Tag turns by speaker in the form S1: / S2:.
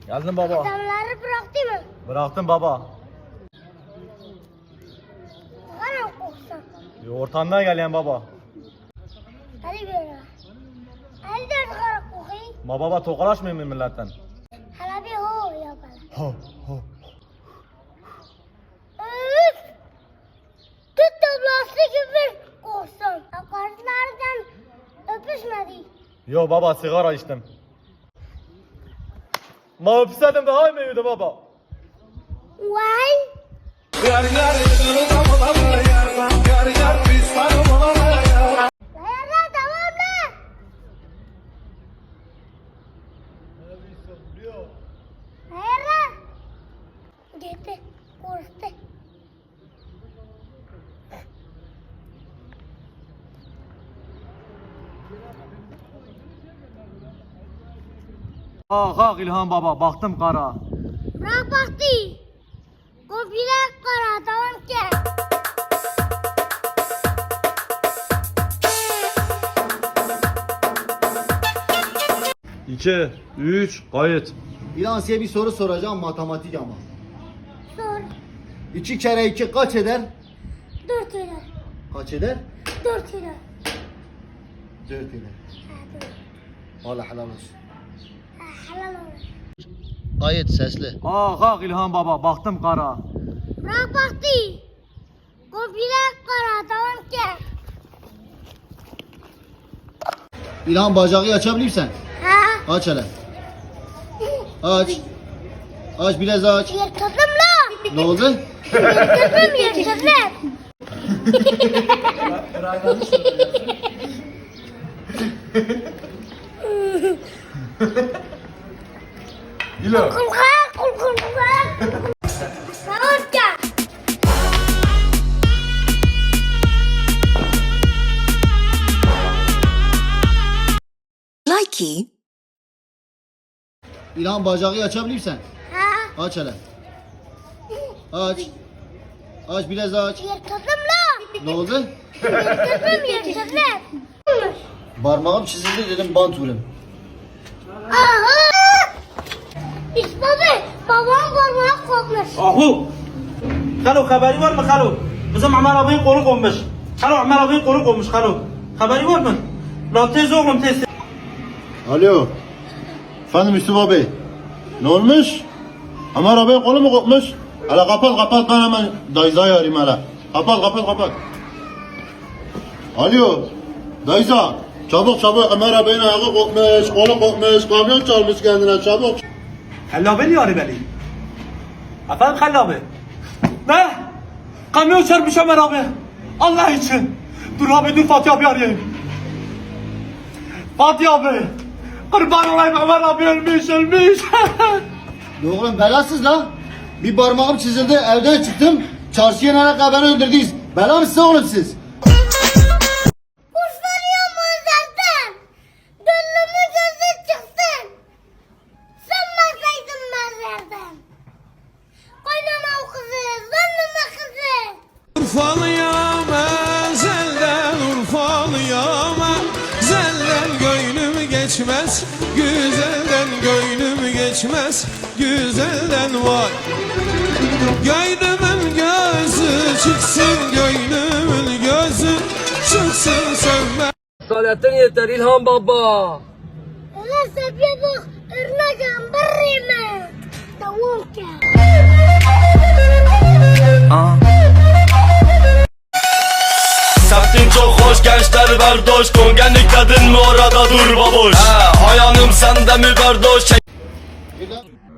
S1: Geldim baba.
S2: Adamları bıraktı mı?
S1: Bıraktım baba.
S2: Bana koksan.
S1: Ortamdan gelen baba.
S2: Hadi böyle. Hadi dört kara kokayım.
S1: Ma baba tokalaşmayayım mı milletten?
S2: Hala bir ho yapalım.
S1: Ho ho.
S2: Üf! Tut tablası gibi koksan. Karşılardan öpüşmedi.
S1: Yo baba sigara içtim. Ma öpseydim daha iyi miydi baba?
S2: Vay! Dayanlar tamam mı? Dayanlar. Gitti. Korktu.
S1: Kalk İlhan baba baktım kara.
S2: Bırak baktı. Komple kara tamam ki.
S1: 2, 3, kayıt.
S3: İlhan size bir soru soracağım matematik ama.
S2: Sor.
S3: 2 kere 2 kaç eder?
S2: 4 lira.
S3: Kaç eder?
S2: 4 lira.
S3: 4 eder.
S2: Ha, dur.
S3: Allah helal olsun.
S2: Ha, helal olsun.
S3: Gayet sesli.
S1: Kalk İlhan baba baktım kara.
S2: Bırak baktı. Komple kara tamam ki.
S3: İlhan bacağı açabilir misin?
S2: Ha?
S3: Aç hele. Aç. Aç biraz aç.
S2: Yırtıldım la.
S3: Ne oldu?
S2: Yırtıldım.
S1: Gilo.
S2: Kulkan. Tamam ki.
S4: Likey.
S3: İlhan bacağı açabilir misin?
S2: Ha?
S3: Aç hele. Aç. Aç biraz aç.
S2: Yırtıldım la.
S3: Ne oldu?
S2: Yırtıldım.
S3: Parmağım çizildi dedim bant vurayım.
S2: Aha! İsmail, babam parmağı kopmuş.
S5: Ahu! Kalo haberi var mı Kalo? Bizim Ömer abinin kolu konmuş. Kalo Ömer abinin kolu konmuş Kalo. Haberi var mı? Lan tez oğlum tez.
S3: Alo. Efendim Yusuf Bey. Ne olmuş? Ömer abi kolu mu kopmuş? Hele kapat ben hemen Dayza'yı arayayım hele. Kapat. Alo. Dayza. Çabuk Ömer abinin ayağı kopmuş, kolu kopmuş, kamyon çalmış kendine çabuk.
S5: Halil abi niye arıyor beni? Efendim Halil abi? Ne? Kamyon çarpmış Ömer abi. Allah için. Dur abi dur Fatih abi arayayım. Fatih abi. Kurban olayım Ömer abi ölmüş.
S3: Oğlum belasız lan. Bir parmağım çizildi evden çıktım. Çarşıya nereye beni öldürdünüz. Bela mısınız oğlum siz?
S2: Kuşlanıyorum zaten. Gönlümün gözü çıksın. Sınmasaydın mezardan. Koynama o kızı, zannıma kızı.
S6: Urfalıyam ezelden Urfalıyam ezelden gönlüm geçmez güzelden gönlüm geçmez güzelden var. Gönlümün gözü çıksın gönlümün gözü çıksın sönmez.
S7: Salatin yeter İlhan baba.
S2: Ulan sepiye bak, ırnacağım barrime. Tamam ki.
S8: Semtin çok hoş gençler berdoş Kongenlik dedin mi orada dur baboş Ayağım sende mi berdoş